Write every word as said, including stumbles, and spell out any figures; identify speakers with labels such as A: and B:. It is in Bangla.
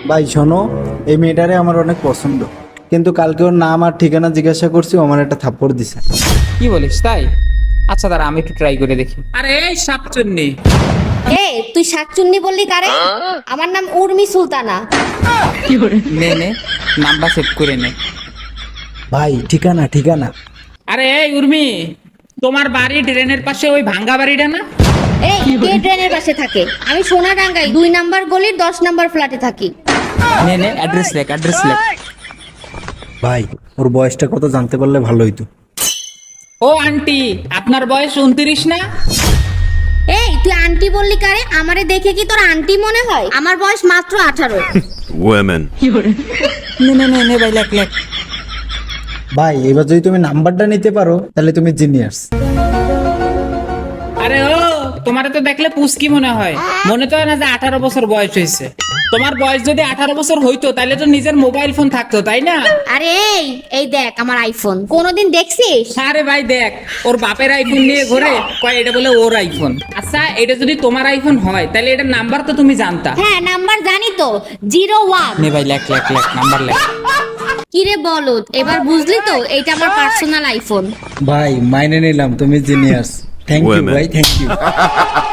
A: ভাই শোনো, এই মেয়েটারে আমার অনেক পছন্দ, কিন্তু কালকে ওর নাম আর ঠিকানা জিজ্ঞাসা করছি, ও আমার একটা থাপ্পড় দিছে।
B: কি বলিস তাই? আচ্ছা দাঁড়া, আমি একটু ট্রাই করে দেখি। আরে এই শাকচুন্নি,
C: এ তুই শাকচুন্নি বললি কারে? আমার নাম উর্মি সুলতানা।
B: নে নে নাম্বার সেভ করে নে।
A: ভাই ঠিকানা ঠিকানা
B: আরে এই উর্মি, তোমার বাড়ি ড্রেনের পাশে ওই ভাঙ্গা বাড়িটা না?
C: এই কে ট্রেনের পাশে থাকে? আমি সোনাডাঙ্গায় দুই নাম্বার গলির দশ নাম্বার ফ্ল্যাটে থাকি।
B: নে নে অ্যাড্রেস লেখ, অ্যাড্রেস লেখ।
A: ভাই ওর বয়সটা কত জানতে পারলে ভালো হইতো।
B: ও আন্টি, আপনার বয়স উনত্রিশ না?
C: এই তুই আন্টি বললি কারে? আমারে দেখে কি তোর আন্টি মনে হয়? আমার বয়স মাত্র আঠারো।
D: Women.
B: নে নে নে নে ভাই লেখ লেখ।
A: ভাই এবার যদি তুমি নাম্বারটা নিতে পারো তাহলে তুমি জিনিয়াস।
B: আরে ও, তোমার তো দেখলে পুস্কি মনে হয়, মনে তো হয় না যে আঠারো বছর বয়স হয়েছে। তোমার বয়স যদি আঠারো বছর হইতো তাহলে তো নিজের মোবাইল ফোন থাকতো, তাই না?
C: আরে এই এই দেখ আমার আইফোন, কোনোদিন দেখছিস?
B: আরে ভাই দেখ, ওর বাপের আইফোন নিয়ে ঘোরে, কয় এটা বলে ওর আইফোন। আচ্ছা এটা যদি তোমার আইফোন হয় তাহলে এটার নাম্বার তো তুমি জানতা।
C: হ্যাঁ নাম্বার জানি তো, জিরো ওয়ান।
B: নে ভাই লেখ লেখ লেখ, নাম্বার লেখ।
C: কিরে বলদ, এবার বুঝলি তো এইটা আমার পার্সোনাল আইফোন।
A: ভাই মাইনে নিলাম, তুমি জিনিয়াস। Thank you
D: Women.
A: ভাই, থ্যাংক ইউ।